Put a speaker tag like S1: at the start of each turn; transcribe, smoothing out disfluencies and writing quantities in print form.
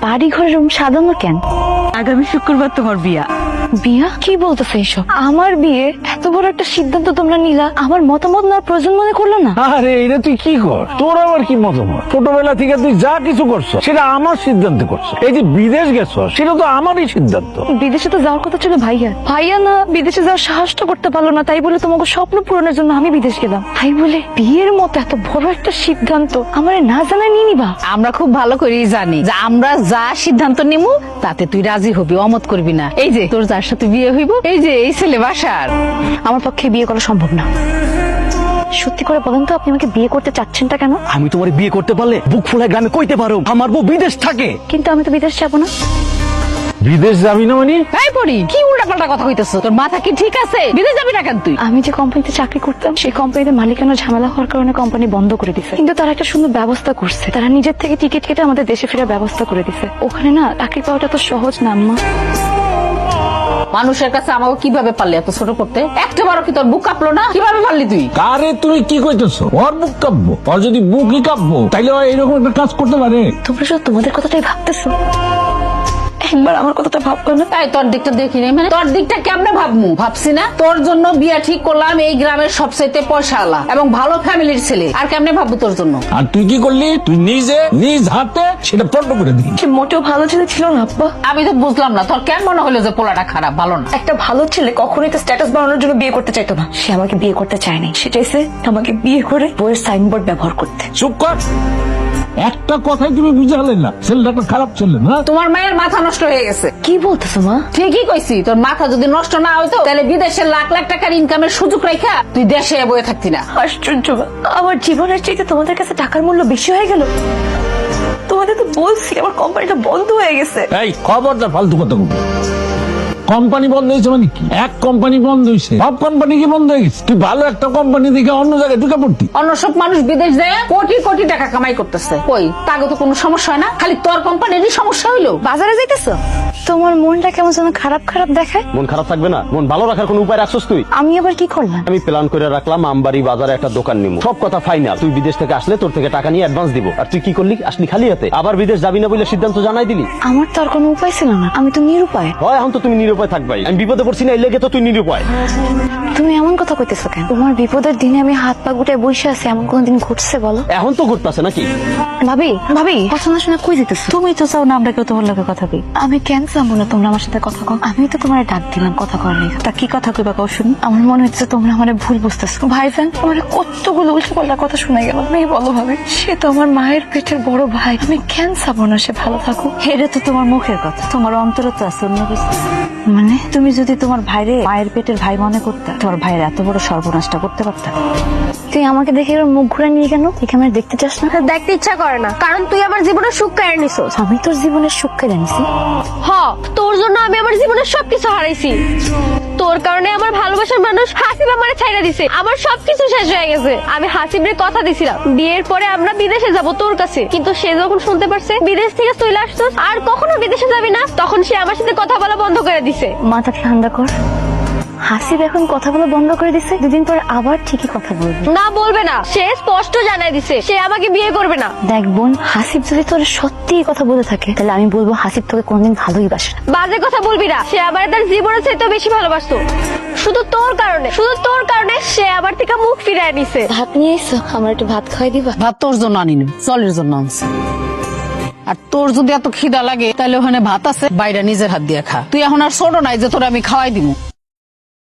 S1: বাড়ি ঘরের রুম সাজানো কেন?
S2: আগামী শুক্রবার তোমার বিয়া।
S1: বিয়া? কি বলতেছে এইসব? আমার বিয়ে? এত বড় একটা সিদ্ধান্ত তোমরা নিলা, আমার মতামত না প্রয়োজন মনে করলো না?
S3: আরে এটা তুই কি কর, তোর আবার কি মতামত? ছোটবেলা থেকে তুই যা কিছু করছো সেটা আমার সিদ্ধান্তে করছো। এই যে বিদেশ গেছো সেটা তো আমারই সিদ্ধান্ত।
S1: বিদেশে তো যাওয়ার কথা ছিল ভাইয়া, ভাইয়া না বিদেশে যাওয়ার সাহসটা করতে পারলো না, তাই বলে তোমাকে স্বপ্ন পূরণের জন্য আমি বিদেশ গেলাম। তাই বলে বিয়ের মতো এত বড় একটা সিদ্ধান্ত আমার না জানায় নিয়ে নিবা?
S2: আমরা খুব ভালো করেই জানি যে আমরা যা সিদ্ধান্ত নিমু তাতে তুই রাজি হবি, অমত করবি না। এই যে তোর যার সাথে বিয়ে হইব, এই যে এই ছেলে বাসার।
S1: আমার পক্ষে বিয়ে করা সম্ভব না। সত্যি করে বলেন তো, আপনি আমাকে বিয়ে করতে চাচ্ছেনটা কেন?
S4: আমি তোমার বিয়ে করতে পারলে বুক ফুলায় গ্রামে কইতে পারো আমার বউ বিদেশ থাকে।
S1: কিন্তু আমি তো বিদেশ যাবো না।
S3: বিদেশ যাবি না মানে?
S2: এই পড়ি কি উল্টাপাল্টা কথা কইতেছ? তোর মাথা কি ঠিক আছে? বিদেশ যাবি না কেন তুই?
S1: আমি যে কোম্পানিতে চাকরি করতাম সেই কোম্পানিতে মালিকানা ঝামেলা হওয়ার কারণে কোম্পানি বন্ধ করে দিছে, কিন্তু তারা একটা সুন্দর ব্যবস্থা করছে। তারা নিজের থেকে টিকিট কেটে আমাদের দেশে ফেরার ব্যবস্থা করে দিছে। ওখানে না চাকরি পাওয়াটা তো সহজ না আম্মা।
S2: মানুষের কাছে আমাকে কিভাবে পারলি এত ছোট করতে? একটা বারো কি তোর বুক কাঁপলো না? কিভাবে পারলি তুই?
S3: কারে তুমি কি কইতেছো? ওর বুক কাঁপবো? ওর যদি বুকই কাঁপবো তাইলে ও এরকম একটা কাজ করতে পারে?
S1: তোমরা শুধু তোমাদের কথাটাই ভাবতেছো, একবার আমার কথাটা ভাববো না?
S2: এই তোর দিকটা দেখি নাই মানে? তোর দিকটা কেমনে ভাবমু? ভাবছি না তোর জন্য বিয়া ঠিক করলাম এই গ্রামের সবচেয়ে পয়সাওয়ালা এবং ভালো ফ্যামিলির ছেলে, আর কেমনে ভাববো তোর জন্য?
S3: আর তুই কি করলি? তুই নিজে নিজ হাতে সেটা পণ্ড করে দিলি।
S1: সে মোটেও ভালো ছেলে ছিল না আব্বা।
S2: আমি তো বুঝলাম না তোর কেন মনে হলো যে পোলাটা খারাপ, ভালো না?
S1: একটা ভালো ছেলে কখনোই তো স্ট্যাটাস বাড়ানোর জন্য বিয়ে করতে চাইতো না। সে আমাকে বিয়ে করতে চায়নি, সে চাইছে আমাকে বিয়ে করে বইয়ের সাইনবোর্ড ব্যবহার করতে।
S3: চুপ কর, একটা কথাই তুমি বুঝালে না ছেলেটা একটা খারাপ ছেলে না।
S2: তোমার মায়ের মাথা নষ্ট হয়ে গেছে।
S1: কি বলতেছো মা?
S2: ঠিকই কইছি, তোর মাথা যদি নষ্ট না হইতো তাহলে বিদেশে লাখ লাখ টাকার ইনকামের সুযোগ রাখা তুই দেশে বয়ে থাকতি না।
S1: আশ্চর্য মা, আমার জীবনের চাইতে তোমাদের কাছে টাকার মূল্য বেশি হয়ে গেল। তোমাদের তো বলছি আমার কোম্পানিটা বন্ধ হয়ে গেছে।
S3: এই খবরদার ফালতু কথা বলবি। কোম্পানি বন্ধ হয়েছে মানে কি? এক কোম্পানি বন্ধ হয়েছে, সব কোম্পানি কি বন্ধ হয়ে গেছে? তুই ভালো একটা কোম্পানি দেখে অন্য জায়গায় ঢুকে পড়তি।
S2: অন্য সব মানুষ বিদেশ যায় কোটি কোটি টাকা কামাই করতেছে, কই তাকে তো কোনো সমস্যা হয় না, খালি তোর কোম্পানিরই সমস্যা হইলো।
S1: বাজারে যাইতেছো, তোমার মনটা কেমন যেন খারাপ খারাপ দেখায়।
S4: মন খারাপ থাকবে না? মন ভালো রাখার কোন উপায় রাখছস তুই?
S1: আমি আবার কি করলাম?
S4: আমি প্ল্যান করে রাখলাম আমবাড়ি বাজারে একটা দোকান নিব। সব কথা ফাইনাল। তুই বিদেশ থেকে আসলে তোর থেকে টাকা নিয়ে অ্যাডভান্স দিব। আর তুই কি করলি? আসলি খালি হাতে, আবার বিদেশ যাবি না বলে সিদ্ধান্ত জানাই দিলি।
S1: আমার তো আর কোনো উপায় ছিল না, আমি তো নিরুপায়।
S4: হয় এখন তো তুমি নিরুপায় থাকবাই। আমি বিপদে পড়ছি না, এই লেগে তো তুই নিরুপায়।
S1: তুমি এমন কথা কইতেছো কেন? তোমার বিপদের দিনে আমি হাত পা গুটায় বসে আছি, এমন কোনদিন ঘটছে বলো?
S4: এখন তো ঘুরতেছে নাকি?
S1: ভাবি ভাবি, কথা না শুনে কই যেতেছো? তুমি তো চাও না আমরা কেউ তোমার লগে কথা কই। আমি কেন চাবো না তোমরা আমার সাথে কথা কও? আমি তো তোমার ডাক দিলাম কথা করার লেগে। তা কি কথা কইবা কও শুনি? আমার মনে হচ্ছে তোমরা আমার ভুল বুঝতেছো। ভাইজান আমার কতগুলো উল্টো পাল্টা কথা শুনে গেল। তুমি বলো ভাবি, সে তো আমার মায়ের পেটের বড় ভাই, আমি কেন চাবো না সে ভালো থাকুক? এটা তো তোমার মুখের কথা, তোমার অন্তরে তো আছে অন্য কিছু। মানে তুমি যদি তোমার ভাইরে মায়ের পেটের ভাই মনে করতে, তোমার ভাইয়ের এত বড় সর্বনাশটা করতে পারতা? তুই আমাকে দেখে এবার মুখ ঘুরে নিয়ে কেন? তুই আমার দেখতে চাস না?
S5: দেখতে ইচ্ছা করে না, কারণ তুই আমার জীবনের সুখ কেড়ে নিছিস।
S1: আমি তোর জীবনের সুখ কেড়ে নিছি?
S5: হ, তোর জন্য আমি আমার জীবনের সবকিছু হারাইছি। তোর কারণে আমার ভালোবাসার মানুষ হাসিব আমারে ছাইড়া দিছে, আমার সবকিছু শেষ হয়ে গেছে। আমি হাসিবের কথা দিছিলাম বিয়ের পরে আমরা বিদেশে যাব তোর কাছে, কিন্তু সে যখন শুনতে পারছে বিদেশ থেকে চলে আসছস আর কখনো বিদেশে যাবি না, তখন সে আমার সাথে কথা বলা বন্ধ করে দিছে।
S1: মাথা ঠান্ডা কর। হাসিব এখন কথা বলা বন্ধ করে দিছে, দুদিন পর আবার ঠিকই কথা বলবে।
S5: না বলবে না, সে স্পষ্ট জানাই দিছে সে আমাকে বিয়ে করবে না।
S1: দেখ বোন, হাসিব যদি তোর সত্যি কথা বলে থাকে তাহলে আমি বলবো হাসিব তোকে কোনদিন ভালোই বাসে না।
S5: বাজে কথা বলবি না, সে আমার তার জীবনের চাইতে বেশি ভালোবাসতো। শুধু তোর কারণে সে আমার থেকে মুখ ফিরায় নিছে।
S1: ভাত নিয়ে এসো, আমার একটু ভাত খাওয়াই দিবা?
S2: ভাত তোর জন্য আনিনি, চলের জন্য আনছি। আর তোর যদি এত খিদা লাগে তাহলে ওখানে ভাত আছে, বাইরে নিজের হাত দিয়ে খা। তুই এখন আর ছোট নাই যে তোর আমি খাওয়াই দিব।